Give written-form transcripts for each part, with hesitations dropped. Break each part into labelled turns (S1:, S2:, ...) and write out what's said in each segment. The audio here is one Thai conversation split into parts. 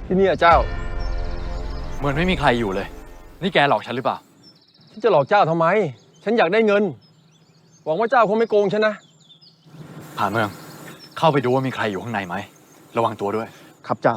S1: ที่นี่เจ้า
S2: เหมือนไม่มีใครอยู่เลยนี่แกหลอกฉันหรือเปล่า
S1: ฉันจะหลอกเจ้าทำไมฉันอยากได้เงินหวังว่าเจ้าคงไม่โกงฉันนะ
S2: ผ่าเมืองเข้าไปดูว่ามีใครอยู่ข้างในไหมระวังตัวด้วย
S1: ครับเจ้า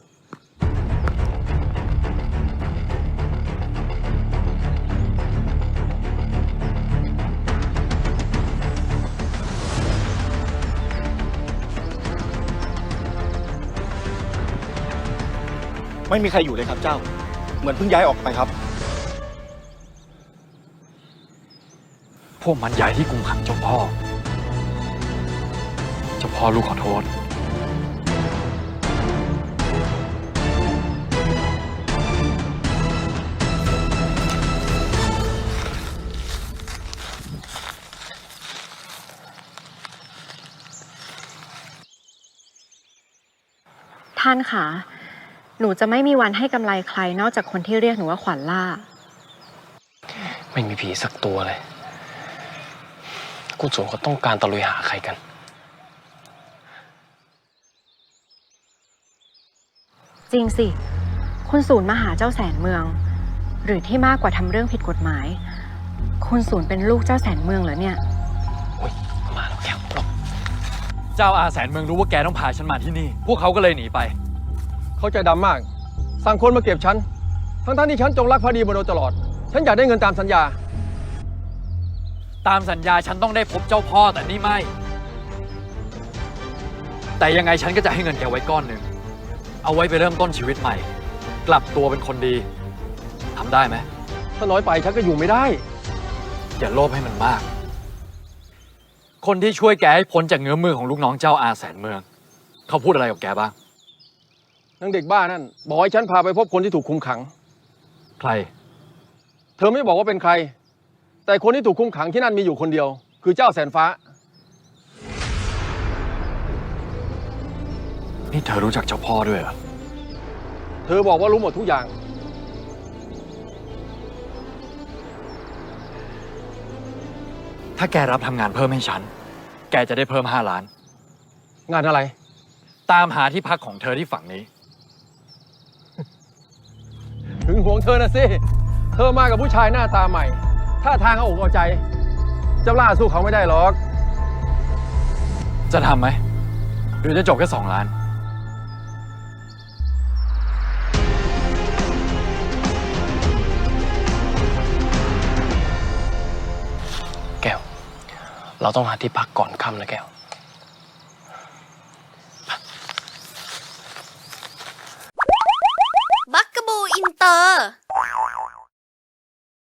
S3: ไม่มีใครอยู่เลยครับเจ้าเหมือนเพิ่งย้ายออกไปครับ
S2: พวกมันย้ายที่กุมขังเจ้าพ่อลูกขอโทษ
S4: ท่านคะหนูจะไม่มีวันให้กำไรใครนอกจากคนที่เรียกหนูว่าขวัญล่า
S5: ไม่มีผีสักตัวเลยกุศลเขาต้องการตะลุยหาใครกัน
S4: จริงสิคุณศูนย์มาหาเจ้าแสนเมืองหรือที่มากกว่าทำเรื่องผิดกฎหมายคุณศูนย์เป็นลูกเจ้าแสนเมืองเหรอเนี่ย
S5: โอ๊ยมาแล้วแก้วหลบ
S2: เจ้าอาแสนเมืองรู้ว่าแกต้องพาฉันมาที่นี่พวกเขาก็เลยหนีไป
S1: เขาใจดำมากสั่งคนมาเก็บฉันทั้งที่ฉันจงรักภักดีมาโดยตลอดฉันอยากได้เงินตามสัญญา
S2: ตามสัญญาฉันต้องได้พบเจ้าพ่อแต่นี่ไม่แต่ยังไงฉันก็จะให้เงินแกไว้ก้อนหนึ่งเอาไว้ไปเริ่มต้นชีวิตใหม่กลับตัวเป็นคนดีทำได้ไหม
S1: ถ้าน้อยไปฉันก็อยู่ไม่ได้
S2: อย่าโลภให้มันมากคนที่ช่วยแกให้พ้นจากเงื้อมือของลูกน้องเจ้าอาแสนเมืองเขาพูดอะไรกับแกบ้าง
S1: นางเด็กบ้านั่นบอกให้ฉันพาไปพบคนที่ถูกคุมขัง
S2: ใคร
S1: เธอไม่บอกว่าเป็นใครแต่คนที่ถูกคุมขังที่นั่นมีอยู่คนเดียวคือเจ้าแสนฟ้า
S2: นี่เธอรู้จักเจ้าพ่อด้วยเหรอ
S1: เธอบอกว่ารู้หมดทุกอย่าง
S2: ถ้าแกรับทำงานเพิ่มให้ฉันแกจะได้เพิ่ม5 ล้าน
S1: งานอะไร
S2: ตามหาที่พักของเธอที่ฝั่งนี้
S1: ถึงห่วงเธอนะสิเธอมากับผู้ชายหน้าตาใหม่ท่าทางเอาอกเอาใจเจ้าล่าสู้เขาไม่ได้หรอก
S2: จะทำไหมหรือจะจบแค่2 ล้าน
S5: แก้วเราต้องหาที่พักก่อนค่ำนะแก้ว